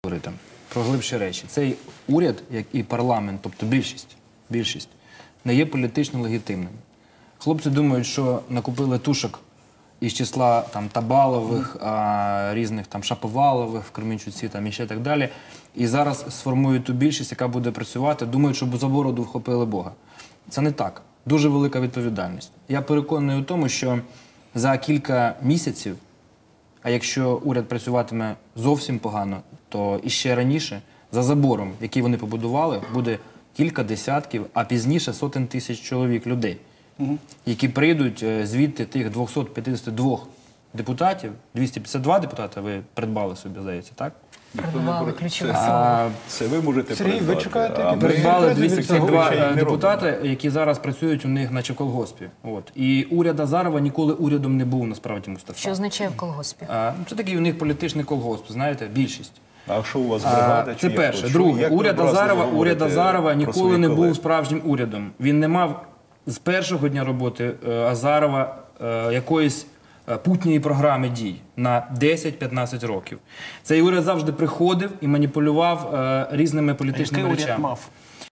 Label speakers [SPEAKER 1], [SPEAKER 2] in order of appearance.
[SPEAKER 1] говорити про глибші речі. Цей уряд, як і парламент, тобто більшість, не є політично легітимним. Хлопці думають, що накупили тушок із числа там Табалових, різних там Шаповалових в Кременчуці і ще так далі. І зараз сформують ту більшість, яка буде працювати, думають, що за бороду вхопили Бога. Це не так. Дуже велика відповідальність. Я переконаний у тому, що за кілька місяців, а якщо уряд працюватиме зовсім погано, то іще раніше за забором, який вони побудували, буде кілька десятків, а пізніше сотень тисяч чоловік, людей, які прийдуть звідти тих 252 депутатів, 252 депутати ви придбали собі, здається, так?
[SPEAKER 2] Придбали ключове слово.
[SPEAKER 3] Це ви можете
[SPEAKER 4] Сергій, ви чекаєте?
[SPEAKER 1] Придбали 252 депутати, які зараз працюють у них наче в колгоспі. І уряд Азарова ніколи урядом не був, насправді, Мустафа.
[SPEAKER 2] Що означає в колгоспі?
[SPEAKER 1] Це такий у них політичний колгосп, знаєте, більшість.
[SPEAKER 3] А що у вас бригада?
[SPEAKER 1] Це перше. Друге, уряд Азарова ніколи не був справжнім урядом. Він не мав з першого дня роботи Азарова якоїсь путньої програми дій на 10-15 років. Цей уряд завжди приходив і маніпулював різними політичними речами.
[SPEAKER 4] Який уряд мав?